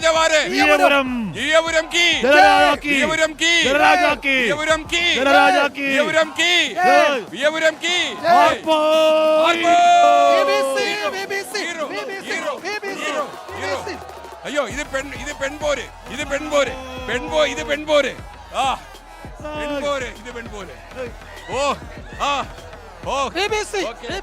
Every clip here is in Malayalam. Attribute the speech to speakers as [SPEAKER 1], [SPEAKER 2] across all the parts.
[SPEAKER 1] രാജാവാരെ
[SPEAKER 2] വിയപുരം
[SPEAKER 1] വിയപുരം കീ
[SPEAKER 2] ജനരാജാക്കി
[SPEAKER 1] വിയപുരം കീ
[SPEAKER 2] ജനരാജാക്കി
[SPEAKER 1] വിയപുരം കീ
[SPEAKER 2] ജനരാജാക്കി
[SPEAKER 1] വിയപുരം കീ വിയപുരം കീ
[SPEAKER 2] ആർപ്പോ
[SPEAKER 1] അയ്യോ ഇത് പെൺപോര് ഇത് പെൺപോര് ഇത് പെൺപോര് ആ പെൺപോര് ഇത് പെൺപോര് ഓ ആ ഓ
[SPEAKER 3] BBC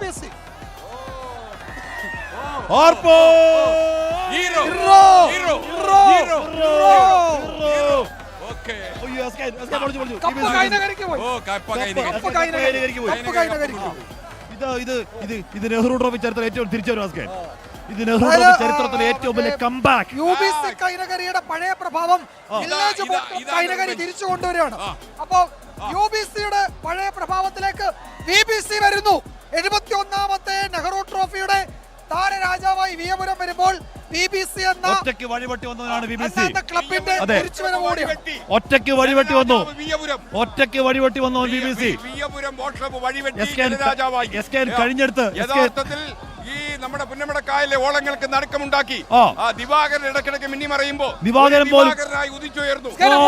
[SPEAKER 2] ആർപ്പോ
[SPEAKER 1] hero
[SPEAKER 3] hero
[SPEAKER 1] hero
[SPEAKER 3] hero
[SPEAKER 1] hero okay
[SPEAKER 2] അയ്യോ എസ്കേ പൊളിച്ചു
[SPEAKER 3] കപ്പ കൈനകരിക്ക് പോയി
[SPEAKER 1] ഓ കപ്പ
[SPEAKER 3] കപ്പ കൈനകരിക്ക് പോയി കപ്പ കൈനകരിക്ക്
[SPEAKER 2] ഇത് നെഹ്റു ട്രോഫി ചരിത്രത്തിൽ ഏറ്റവും തിരിച്ചുവരും എസ്കേ ഇത് നെഹ്റു ട്രോഫി ചരിത്രത്തിലെ ഏറ്റവും വലിയ കംബാക്ക്
[SPEAKER 3] UBC കൈനകരിയുടെ പഴയ പ്രഭാവം വില്ലേജ് കൈനകരി തിരിച്ചു കൊണ്ടുവരികയാണ്. അപ്പോ UBCയുടെ പഴയ പ്രഭാവത്തിലേക്ക് VBC വരുന്നു. 71ാമത്തെ നെഹ്റു ട്രോഫിയുടെ താരരാജാവായി വിയപുരം വരുമ്പോൾ VBC എന്ന
[SPEAKER 2] ഒറ്റയ്ക്ക് വഴിവെട്ടി വന്നതാണ് BBC
[SPEAKER 3] ക്ലബിന്റെ തിരിച്ചുവരവ് കൂടിയാണ്.
[SPEAKER 2] ഒറ്റയ്ക്ക് വഴിവെട്ടി വന്നു ഒറ്റയ്ക്ക് വഴിവെട്ടി വന്നു BBC
[SPEAKER 1] വിയപുരം ബോട്ട് ക്ലബ്ബ് വഴിവെട്ടി രാജാവായി
[SPEAKER 2] കഴിഞ്ഞെടുത്ത്
[SPEAKER 1] യഥാർത്ഥത്തിൽ ഈ നമ്മുടെ പുന്നമടക്കായലെ ഓളങ്ങൾക്ക് നടുക്കമുണ്ടാക്കി ദിവാകരൻ ഇടക്കിടക്ക് മിന്നി മറയുമ്പോൾ ദിവാകരനായി ഉദിച്ചുയർന്നു.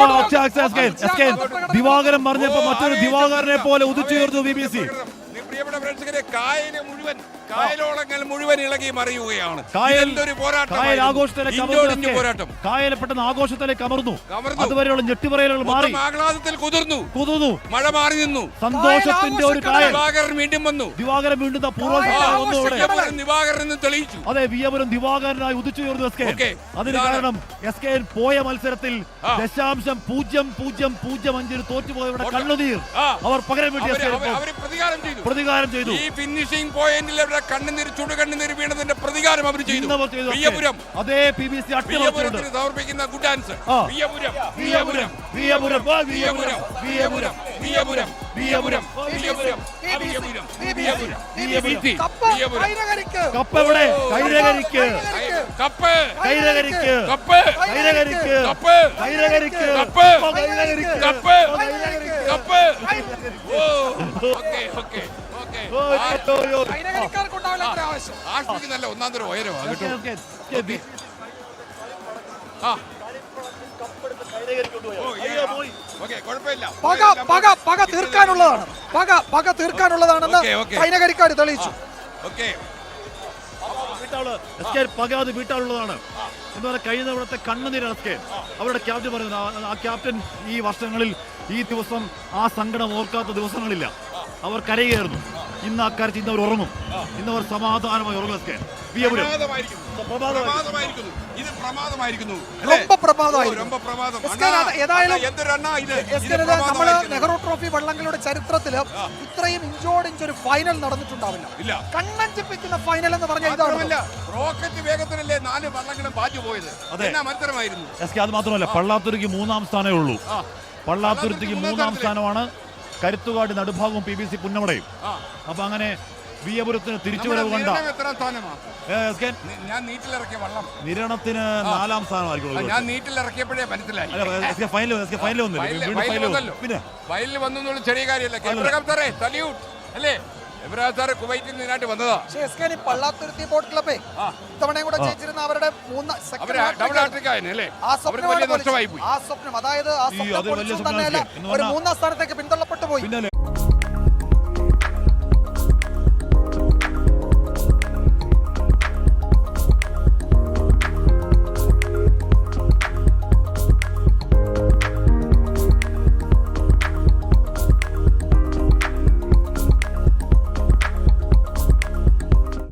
[SPEAKER 2] ദിവാകരൻ പറഞ്ഞപ്പോ മറ്റൊരു ദിവാകരനെ പോലെ ഉദിച്ചുയർന്നു BBC.
[SPEAKER 1] പ്രിയപ്പെട്ട പ്രേക്ഷകരെ, കായലോളങ്ങൾ മുഴുവൻ ഇളകി മറിയുകയാണ്. പോരാട്ടം
[SPEAKER 2] കായൽ പെട്ടെന്ന് ആഘോഷത്തിലേക്ക് അമർന്നു. അതുവരെയുള്ള ഞെട്ടിപ്പറയലുകൾ മാറി
[SPEAKER 1] ആഹ്ലാദത്തിൽ കുതിർന്നു. മഴ മാറി നിന്നു.
[SPEAKER 2] സന്തോഷത്തിന്റെ ഒരു കായൽ.
[SPEAKER 1] ദിവാകരൻ വീണ്ടും വന്നു.
[SPEAKER 2] ദിവാകരൻ വീണ്ടും
[SPEAKER 1] ദിവാകരൻ തെളിയിച്ചു.
[SPEAKER 2] അതെ, വിയപുരം ദിവാകരനായി ഉദിച്ചുയർന്നു എസ്കെ. അതിന് കാരണം എസ്കെ പോയ മത്സരത്തിൽ 0.0005 തോറ്റുപോയവരുടെ കണ്ണുനീർ അവർ പകരം വീട്ടി പ്രതികാരം ചെയ്തു.
[SPEAKER 1] ഈ ഫിനിഷിംഗ് പോയിന്റിൽ അവരുടെ കണ്ണുനീർ ചുടുകണ്ണുനീർ വീണതിന്റെ പ്രതികാരം അവർ ചെയ്തു. വിയപുരം
[SPEAKER 2] അതേ BBC
[SPEAKER 1] വിയപുരത്തിന് സമർപ്പിക്കുന്ന good answer. Veeyapuram Veeyapuram Veeyapuram Veeyapuram Veeyapuram Veeyapuram Veeyapuram Veeyapuram Veeyapuram Veeyapuram
[SPEAKER 2] cup എവിടെ? കൈരകരിക്ക്
[SPEAKER 1] കപ്പ്
[SPEAKER 2] കൈരകരിക്ക്
[SPEAKER 1] കപ്പ്
[SPEAKER 2] കൈരകരിക്ക്
[SPEAKER 1] കപ്പ്
[SPEAKER 2] കൈരകരിക്ക്
[SPEAKER 1] cup cup cup okay okay okay ആഷ്മിക്ക് നല്ല ഒന്നാം തരം ഉയരമാണ് കേട്ടോ.
[SPEAKER 3] പക തീർക്കാനുള്ളതാണെന്ന് കൈനകരിക്കാർ തെളിയിച്ചു.
[SPEAKER 2] പകാതെ വീട്ടാനുള്ളതാണ് എന്ന് പറഞ്ഞാൽ കഴിഞ്ഞ തവണത്തെ കണ്ണുനീരൊക്കെ അവരുടെ ക്യാപ്റ്റൻ പറയുന്നത്. ആ ക്യാപ്റ്റൻ ഈ വർഷങ്ങളിൽ ഈ ദിവസം ആ സങ്കടം ഓർക്കാത്ത ദിവസങ്ങളില്ല. അവർ കരയുകയായിരുന്നു. ഇന്ന് അക്കാര്യത്തിൽ ഇന്ന് അവർ ഉറങ്ങും. ഇന്ന് അവർ സമാധാനമായി ഉറങ്ങും.
[SPEAKER 3] നെഹ്റു ട്രോഫി വള്ളങ്ങളുടെ ചരിത്രത്തില് ഇത്രയും ഇഞ്ചോടിഞ്ചൊരു ഫൈനൽ നടന്നിട്ടുണ്ടാവില്ല. കണ്ണഞ്ചിപ്പിക്കുന്ന ഫൈനൽ എന്ന് പറഞ്ഞാൽ ഇതാണ്.
[SPEAKER 1] റോക്കറ്റ് വേഗത്തിലല്ലേ 4 വള്ളങ്ങളും ബാജു പോയത്. മത്സരമായിരുന്നു.
[SPEAKER 2] അത് മാത്രമല്ല, പള്ളാത്തുരുക്ക് 3ാം സ്ഥാനമേ ഉള്ളൂ. പള്ളാത്തുരുത്തിക്ക് 3ാം സ്ഥാനമാണ്. കരുത്തുകാട് നടുഭാഗവും BBC പുന്നമടയും. അപ്പൊ അങ്ങനെ വിയപുരത്തിന് തിരിച്ചുവരവ് കണ്ട നിരണത്തിന് 4ാം സ്ഥാനമായിരിക്കും.
[SPEAKER 1] ഞാൻ നീറ്റിലിറക്കിയപ്പോഴേ മനസ്സിലായി.
[SPEAKER 2] പിന്നെ
[SPEAKER 1] ഫൈനൽ വന്നു ചെറിയ കാര്യമല്ല. അല്ലേ കുവൈറ്റിൽ നിന്നായിട്ട് വന്നതാ.
[SPEAKER 3] പള്ളാത്തുരുത്തി ബോട്ട് ക്ലബ്ബേ ഇത്തവണയും കൂടെ ജയിച്ചിരുന്ന അവരുടെ
[SPEAKER 1] നഷ്ടമായി പോയി.
[SPEAKER 3] ആ സ്വപ്നം, അതായത് ആ സ്വപ്നം തന്നെയല്ല, ഒരു 3ാം സ്ഥാനത്തേക്ക് പിന്തള്ളപ്പെട്ടു പോയി.